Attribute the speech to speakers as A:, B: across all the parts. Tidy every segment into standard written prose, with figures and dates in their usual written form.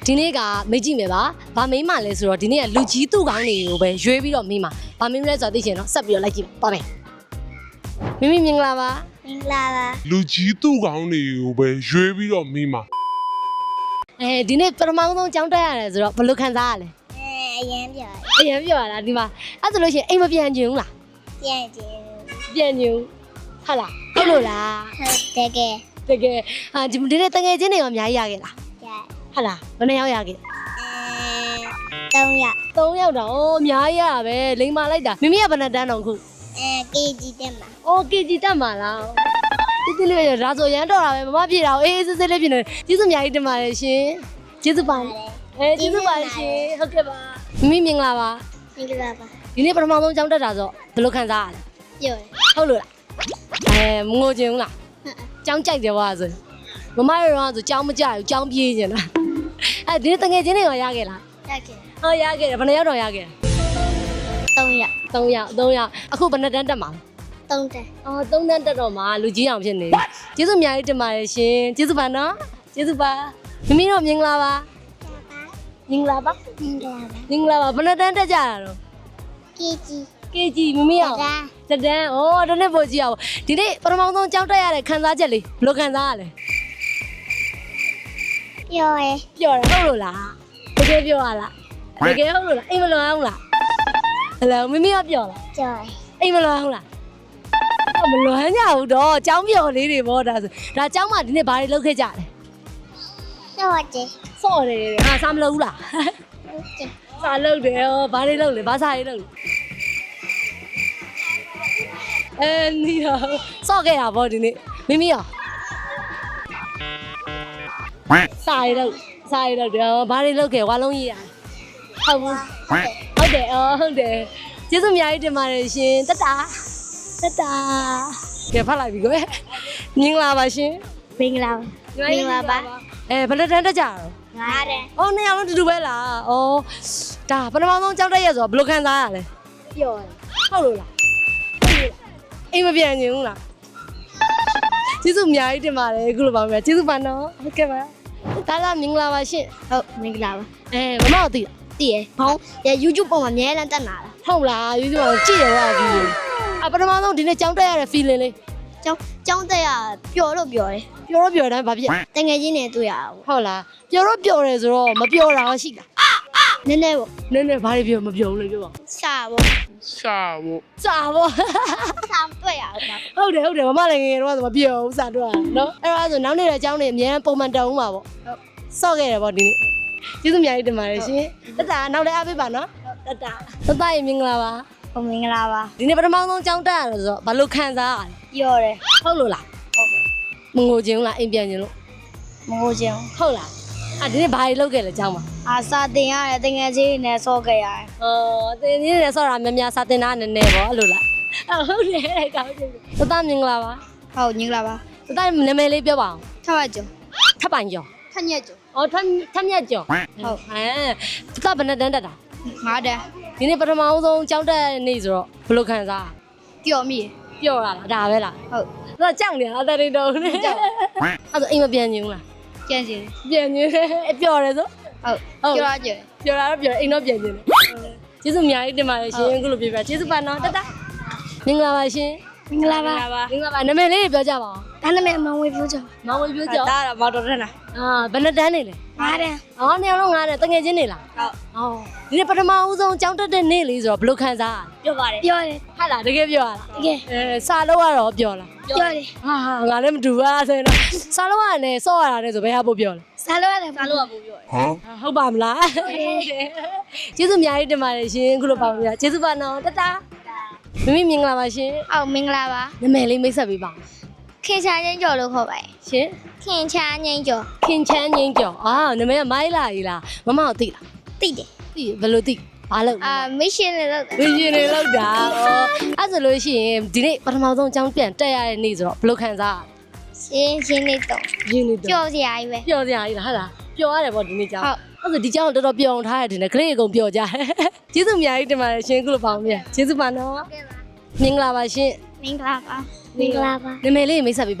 A: ဒီနေ့ကမေးကြည့်မယ်ပါ။ဘာမေးမှလဲဆိုတော့ဒီနေ့ကလူကြီးသူ့ကောင်းတွေကိုပဲရွေးပြီးတော့မေးမှာ။ဘာမေးမလဲဆိုတော့သိချင်တော့ဆက်ပြီးတော့လိုက်ကြည့်ပါမယ်။မိမိမင်္ဂလာပါ။
B: မင်္ဂလာပါ
C: လူကြီးသူ့ကောင်းတွေကိုပဲရွေးပြီးတော့မိမှာ
A: ဒီနေ့ပထမဆုံးကြောင်းတက်ရတယ်ဆိုတော့ဘယ်လိုခံစားရလဲ
B: အရင်ပြော
A: ။အရင်ပြောရတာဒီမှာအဲ့ဆိုလို့ရှိရင်အိမ်မပြန်ချင်ဘူးလား
B: ပြန်ကြည့်
A: ။ပြန်ချင်ဘူး။ဟုတ်လား။ဟုတ်လို့လား
B: ဟုတ်တကယ်
A: ။တကယ်ဒီနေ့တငယ်ချင်းတွေရောအများကြီးရခဲ့လား
B: ရ
A: ။ဟုတ်လား။ဘယ်နှစ်ယောက်ရခဲ့
B: 3ရက်
A: ။3ယောက်တော့အများကြီးရတာပဲလိမ္မာလိုက်တာ။မိမိကဘယ်နှစ်တန်းတော့ခု
B: KG တက်မှာ
A: ။အော် KG တက်မှာလား။ဒီလေးရဒါဆိုရမ်းတော့တာပဲမမပြေတာအေးစစ်စစ်လေးဖြစ်နေကျေးဇူးအများကြီးတင်ပါတယ်ရှင်။ကျေးဇူးပါကျေးဇူးပါရှင်ဟုတ်ကဲ့ပါမိမိမင်္ဂလာပါ
B: မင်္ဂလာပါ
A: ဒီနေ့ပထမဆုံးကြောင်းတက်တာဆိုဘယ်လိုခံစားရလဲ
B: ပြောတယ်
A: ဟုတ်လို့လားမငိုချင်ဘူးလားကြောင်းကြိုက်တယ်ကွာဆိုမမရောဆိုကြောင်းမကြဘူးကြောင်းပြေးချင်တာဒီနေ့တငယ်ချင်းတွေရောရခဲ့လား
B: တက်ခဲ့
A: ဟောရခဲ့တယ်ဘယ်နှစ်ယောက်တော့ရခဲ့
B: 3ရက်
A: 3ယောက်အခုဘယ်နှစ်တန်းတက်မှာ
B: 3တက်
A: အော်3တန်းတက်တော့မှလူကြီးအောင်ဖြစ်နေပြီကျေးဇူးအများကြီးတင်ပါတယ်ရှင်ကျေးဇူးပါနော်ကျေးဇူးပါမိမိတို့မင်္ဂလာပါမင်္ဂလာပါ
B: မင်္ဂလာပါ
A: မင်္ဂလာပါဘယ်နှစ်တန်းတက်ကြတာတော့
B: KG
A: KG မမရောတဒန်းဩတနေ့ပို့ကြည့်အောင်ဒီနေ့ပထမဆုံးကြောင်းတက်ရတဲ့ခံစားချက်လေးဘယ်လိုခံစားရလဲ
B: ပြောရ
A: ပျော်တယ်ဟုတ်လို့လားတကယ်ပျော်ရလားတကယ်ဟုတ်လို့လားအိမ်မလွန်အောင်လားဟယ်လိုမမရောပျော်လား
B: ပြောရ
A: အိမ်မလွန်အောင်လားမလွန်ကြဘူးတော့ကြောင်းပျော်လေးတွေပေါ့ဒါဆိုဒါကြောင်းမှဒီနေ့ဘာတွေလုပ်ခဲ့ကြလဲ
B: တော့တယ်
A: စော့တယ်ဟာစားမလုပ်ဘူးလား
B: ဟုတ်တယ်
A: စားလုပ်တယ်ဟောဘာတွေလုပ်လဲဘာစားရေးလုပ်လဲနီးတော့စော့ခဲ့တာပေါ့ဒီနေ့မိမိရောစားရေးလုပ်တယ်ဘာတွေလုပ်ခဲ့ဝါလုံးရေးရဟုတ်ဘူးဟုတ်တယ်ဟုတ်တယ်ကျေးဇူးအများကြီးတင်ပါတယ်ရှင်တတကဲဖတ်လိုက်ပြီကွယ်မင်္ဂလာပါရှင်
B: မင်္ဂလာပါမင်္ဂလာပါ
A: ဘယ်နှစ်တန်းတက်ကြတော့
B: 9တက်
A: အော်နှစ်ယောက်လုံးတူတူပဲလား။အော်ဒါပထမဆုံးကြောက်တက်ရဆိုတော့ဘယ်လိုခံစားရလဲ
B: ပြောရ
A: ။ဟုတ်လို့လား။အိမ်မပြန်ချင်ဘူးလား။ကျေးဇူးအများကြီးတင်ပါတယ်အခုလိုပါမယ်။ကျေးဇူးပါနော်။ဟုတ်ကဲ့ပါ။ဒါကမင်္ဂလာပါရှင်
B: ဟုတ်မင်္ဂလာပါ
A: ။မမတို့သိလား
B: တည်ရဟောင်း YouTube ပေါ်မှာအများလမ်းတက်လာတာ
A: ။ဟုတ်လား။ YouTube ကိုကြည့်ရပါဘူး။ပထမဆုံးဒီနေ့ကြောက်တက်ရတဲ့ feeling လေး
B: ကျောင်းတက်ရပျော်လို့ပြောတယ်
A: ပျော်တော့ပျော်တယ်ဘာဖြစ်
B: တငယ်ချင်းတွေတွေ့ရအောင်
A: ဟုတ်လား။ပျော်တော့ပျော်တယ်ဆိုတော့မပျော်တာရှိလား
B: နည်းနည်းပေါ့
A: ။နည်းနည်းဘာတွေပျော်မပျော်ဘူးလေပြောပါ
B: စာပေါ့
C: ရှာဖို့
A: ။စာပေါ့။
B: စာတွေ့ရအောင်
A: ဟုတ်တယ်မမလည်းငယ်တော့ဆိုမပြောဘူးစာတော့နော်အဲ့တော့ဆိုနောက်နေ့တဲ့အကြောင်းတွေအများပုံမှန်တောင်းဦးမှာပေါ့ဆော့ခဲ့တယ်ပေါ့ဒီနေ့ကျေးဇူးအများကြီးတင်ပါတယ်ရှင်တတနောက်လည်းအားပေးပါနော်တတရေမင်္ဂလာပါ
B: ဟိုမင်္ဂလာပါ
A: ဒီနေ့ပထမဆုံးကြောင်းတက်ရတယ်ဆိုတော့ဘာလို့ခံစားရလဲ
B: ပြောတယ်
A: ဟုတ်လို့လားမငိုချင်ဘူးလားအိမ်ပြန်ချင်လို့
B: မဟုတ်ချင်
A: ဟုတ်လားဒီနေ့ဘာတွေလုပ်ခဲ့လဲကြောင်းမှာ
B: အာစာတင်ရတယ်တငယ်ချင်းနဲ့ဆော့ခဲ့ရတယ်
A: တင်းကြီးနဲ့ဆော့တာများများစာတင်တာနည်းနည်းပေါ့အဲ့လိုလားဟုတ်တယ်ကောင်းတယ်တတမင်္ဂလာပါ
B: ဟုတ်မင်္ဂလာပါ
A: တတနာမည်လေးပြောပါအောင်
B: ထပ်ကျော်
A: ထပ်ပိုင်ကျော်
B: ထက်ညက်ကျော်
A: အော်ထက်မြတ်ကျော်
B: ဟုတ်
A: တတဘယ်နဲ့တန်းတက်တာ
B: 9တက်
A: ဒီနေ့ပထမဆုံးကြောင်းတက်နေ့ဆိုတော့ဘယ်လိုခံစား
B: ပျော်မိ
A: ပျော်ရလားဒါပဲလား
B: ဟုတ်
A: ဒါကြောက်နေတာအတရီတော်နဲ့အဲ့ဆိုအိမ်မပြန်ချင်ဘူးလား
B: ကျန်စီ
A: ပြန်ချင်ပျော်တယ်ဆို
B: ဟုတ်ကျော်ရကျော်
A: ပျော်တာတော့ပျော်တယ်အိမ်တော့ပြန်ချင်တယ်ကျေးဇူးအများကြီးတင်ပါတယ်ရှင်အခုလိုပြပြကျေးဇူးပါနော်တတမင်္ဂလာပါရှင်
B: မင်္ဂလာပါ
A: မင်္ဂလာပါနာမည်လေးပြောကြပါဦး
B: ဒါနာမည်မောင်ဝေပြောကျော်
A: မောင်ဝေပြောကြ
B: ဒါမော်တော်တက်လား
A: ဘယ်နှစ်တန်းနေလဲ
B: 9တက်
A: အော်နေအောင်လုံးငါးနဲ့တငယ်ချင်းနေလား
B: ဟုတ်
A: အော်ဒီနေ့ပထမဦးဆုံးကြောင်းတက်တဲ့နေ့လေးဆိုတော့ဘယ်လိုခံစားရလဲ
B: ပြောပါတယ်ပြောတယ်
A: ဟုတ်လားတကယ်ပြောရလား
B: တကယ်
A: စာလို့ရတော့ပြောလား
B: ပြောတယ်
A: ဟာငါလည်းမတူပါဆိုရင်တော့စားလို့ရတယ်စော့ရတာနဲ့ဆိုဘယ်ဟာပို့ပြောလဲ
B: စားလို့ရတယ်စားလို့ရပို့ပြောတယ်
C: ဟမ်
A: ဟုတ်ပါမလားကျေးဇူးအများကြီးတင်ပါတယ်ရှင်ခုလိုပါပါကျေးဇူးပါနော်တတမိမိမင်္ဂလာပါရှင်
B: ဟုတ်မင်္ဂလာပါ
A: နာမည်လေးမိတ်ဆက်ပေးပါ
B: ခင်ချာချင်းကျော်လို့ခေါ်ပါတယ်
A: ရှင်
B: ခင်ချာချင်းကျော်
A: ခင်ချမ်းငင်းကျော်နာမည်ကမိုင်းလာကြီးလားမမကိုသိလား
B: တိတယ်
A: သိဘယ်လိုသိဘာလို့
B: မစ်ရှင်နဲ့လို့
A: ဝီရင်နေလောက်တာအဲ့ဆိုလို့ရှိရင်ဒီနေ့ပထမဆုံးအကြောင်းပြန်တက်ရတဲ့နေ့ဆိုတော့ဘယ်လိုခံစားရလဲ
B: ရှင်းလေးတော့
A: ရင်းနေတော့
B: ကြော်စရာကြီးပဲ
A: ပျော်စရာကြီးလားဟုတ်လားပျော်ရတယ်ပေါ့ဒီနေ့ကြောင်း
B: ဟုတ်
A: အဲ့ဆိုဒီကြောင်းတော်တော်ပျော်အောင်ထားရတယ်နဲ့ကလေးအကုန်ပျော်ကြတယ်ကျေးဇူးအများကြီးတင်ပါတယ်ရှင်ခုလိုပေါင်းမြတ်ကျေးဇူးပါနော်မင်္ဂလာပါရှင်
B: မင်္ဂလာပါမင်္ဂလာပါ
A: နာမည်လေးမိတ်ဆက်ပေးပါ
B: ခ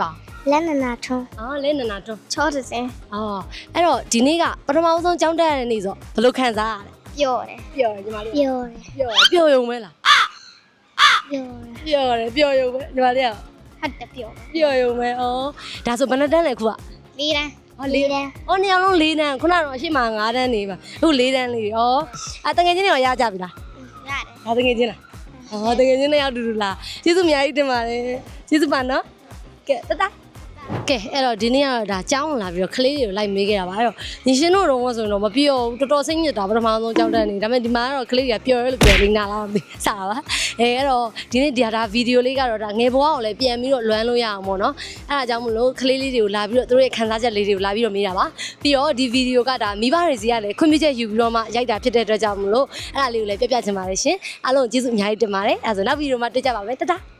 B: လက်နနာထုံး
A: အော်လဲနနာတွန်း
B: ချောတစင်း
A: အော်အဲ့တော့ဒီနေ့ကပထမဆုံးကြောင်းတက်ရတဲ့နေ့ဆိုဘယ်လိုခံစားရလဲ
B: ပျော်တယ်
A: ပျော်တယ်ညီမလေး
B: ပျော်တယ်
A: ပျော်ရုံပဲလား
B: ပျော်တယ်
A: ပျော်ရုံပဲညီမလေးက
B: ဟုတ်တယ်ပျော်တယ်
A: ပျော်ရုံပဲဩဒါဆိုဘယ်နှစ်တန်းလဲခုက
B: လေးတန်း
A: ဟောလေးတန်းဩနှစ်ယောက်လုံး၄တန်းခုနကတော့အရှိမ9တန်းနေပါအခု၄တန်းလေးဩအတငယ်ချင်းတွေရောရကြပြီလား
B: ရတယ်
A: ဟာတငယ်ချင်းလားဩတငယ်ချင်းတွေရောက်တူတူလားကျေးဇူးအများကြီးတင်ပါတယ်ကျေးဇူးပါနော်ကဲတတကဲအဲ့တော့ဒီနေ့ကတော့ဒါကြောင်းလာပြီးတော့ကလေးတွေကိုလိုက်မေးခဲ့တာပါအဲ့တော့ညီရှင်တို့တော့ဆိုရင်တော့မပြောဘူးတော်တော်စိတ်ညစ်တာပထမဆုံးကြောင်းတက်နေဒါပေမဲ့ဒီမှာကတော့ကလေးတွေကပျော်ရဲလို့ပြောနေတာလားမသိစားပါအဲ့တော့ဒီနေ့ဒါဗီဒီယိုလေးကတော့ဒါငယ်ဘဝကိုလည်းပြန်ပြီးတော့လွမ်းလို့ရအောင်ပေါ့နော်အဲ့ဒါကြောင့်မလို့ကလေးလေးတွေကိုလာပြီးတော့သူတို့ရဲ့ခံစားချက်လေးတွေကိုလာပြီးတော့မေးတာပါပြီးတော့ဒီဗီဒီယိုကဒါမိဘတွေစီကလည်းခွင့်ပြုချက်ယူပြီးတော့မှရိုက်တာဖြစ်တဲ့အတွက်ကြောင့်မလို့အဲ့ဒါလေးကိုလည်းပြပြချင်ပါတယ်ရှင်အားလုံးကျေးဇူးအများကြီးတင်ပါတယ်အဲ့ဒါဆိုနောက်ဗီဒီယိုမှာတွေ့ကြပါမယ်တတ